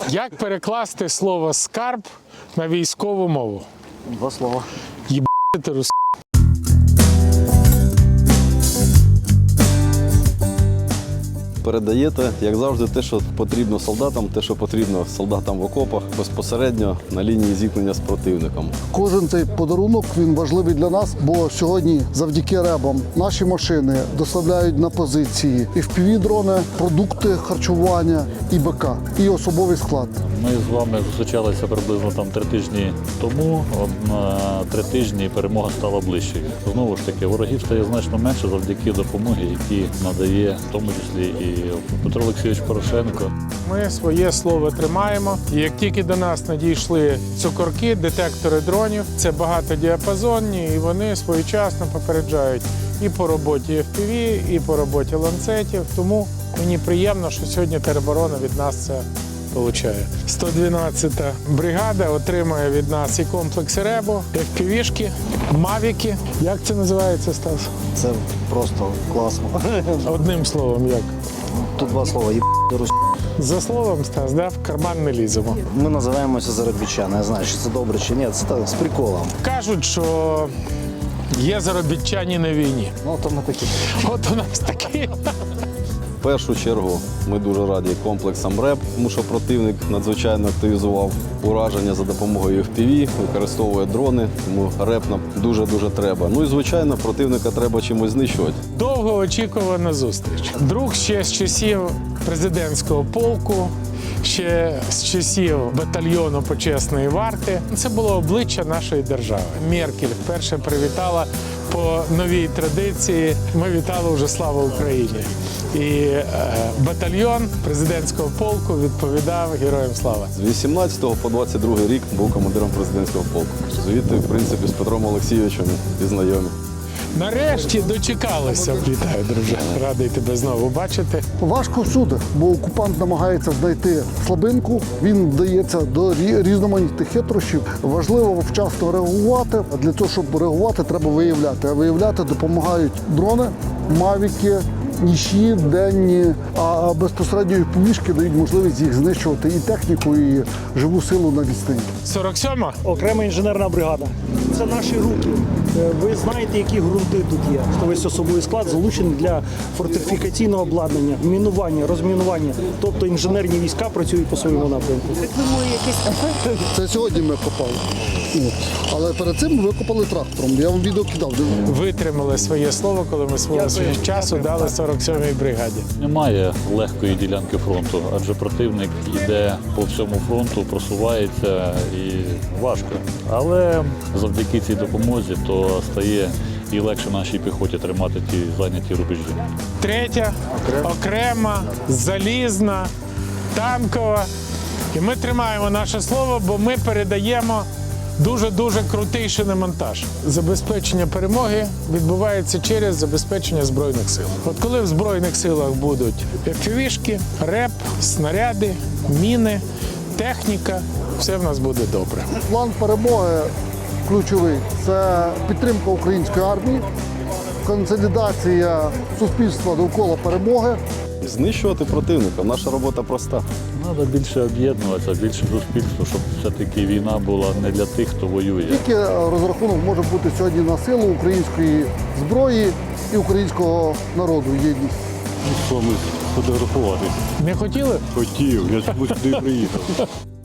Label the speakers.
Speaker 1: Як перекласти слово «скарб» на військову мову?
Speaker 2: Два слова.
Speaker 1: Єбати рус...
Speaker 3: Передаєте, як завжди, те, що потрібно солдатам, те, що потрібно солдатам в окопах, безпосередньо на лінії зіткнення з противником.
Speaker 4: Кожен цей подарунок, він важливий для нас, бо сьогодні завдяки ребам наші машини доставляють на позиції і FPV-дрони, продукти харчування, і БК, і особовий склад.
Speaker 5: Ми з вами зустрічалися приблизно 3 тижні тому. На 3 тижні перемога стала ближчою. Знову ж таки, ворогів стає значно менше завдяки допомоги, які надає в тому числі і Петро Олексійович Порошенко.
Speaker 1: Ми своє слово тримаємо. І як тільки до нас надійшли цукорки, детектори дронів, це багатодіапазонні, і вони своєчасно попереджають і по роботі FPV, і по роботі ланцетів. Тому мені приємно, що сьогодні тероборона від нас це получає. 112-та бригада отримує від нас і комплекси РЕБО, FPV-шки, мавіки. Як це називається, Стас?
Speaker 2: Це просто класно.
Speaker 1: Одним словом, як?
Speaker 2: Тут два слова. Рус.
Speaker 1: За словом, Стас, да, в карман не ліземо.
Speaker 2: Ми називаємося заробітчани. Я знаю, чи це добре, чи ні. Це так, з приколом.
Speaker 1: Кажуть, що є заробітчані на війні.
Speaker 2: Ну, то ми такі.
Speaker 1: От у нас такі.
Speaker 3: В першу чергу ми дуже раді комплексам РЕБ, тому що противник надзвичайно активізував ураження за допомогою FPV, використовує дрони, тому РЕБ нам дуже-дуже треба. Ну і, звичайно, противника треба чимось знищувати.
Speaker 1: Довгоочікувана зустріч. Друг ще з часів президентського полку, ще з часів батальйону почесної варти. Це було обличчя нашої держави. Меркель вперше привітала по новій традиції. Ми вітали вже «Слава Україні». І батальйон президентського полку відповідав «Героям слава».
Speaker 3: З 18 по 22 рік був командиром президентського полку. Звідти, в принципі, з Петром Олексійовичем і знайомі.
Speaker 1: Нарешті дочекалися. Вітаю, друже. Радий тебе знову бачити.
Speaker 4: Важко всюди, бо окупант намагається знайти слабинку, він вдається до різноманітних хитрощів. Важливо вчасно реагувати, а для того, щоб реагувати, треба виявляти. А виявляти допомагають дрони, мавіки, нічні, денні, а безпосередньо повішки дають можливість їх знищувати і техніку, і живу силу на відстані.
Speaker 1: 47-ма?
Speaker 6: Окрема інженерна бригада. Це наші руки. Ви знаєте, які ґрунти тут є. Весь особовий склад залучений для фортифікаційного обладнання, мінування, розмінування. Тобто інженерні війська працюють по своєму напрямку.
Speaker 4: Це сьогодні ми копали. От. Але перед цим ми викопали трактором. Я вам відео кидав.
Speaker 1: Витримали своє слово, коли ми свого часу дали 47-й бригаді.
Speaker 5: Немає легкої ділянки фронту, адже противник йде по всьому фронту, просувається і важко. Але завдяки цій допомозі то стає і легше нашій піхоті тримати ті зайняті рубежі.
Speaker 1: Третя, окрема, залізна, танкова. І ми тримаємо наше слово, бо ми передаємо дуже-дуже крутий шиномонтаж. Забезпечення перемоги відбувається через забезпечення Збройних сил. От коли в Збройних силах будуть FPV-шки, РЕБ, снаряди, міни, техніка, все в нас буде добре.
Speaker 4: План перемоги ключовий – це підтримка української армії, консолідація суспільства довкола перемоги.
Speaker 3: Знищувати противника. Наша робота проста.
Speaker 5: Треба більше об'єднуватися, більше суспільства, щоб все-таки війна була не для тих, хто воює.
Speaker 4: Тільки розрахунок може бути сьогодні на силу української зброї і українського народу, єдність.
Speaker 7: З вами фотографуватись.
Speaker 1: Не хотіли?
Speaker 7: Хотів, я сюди приїхав.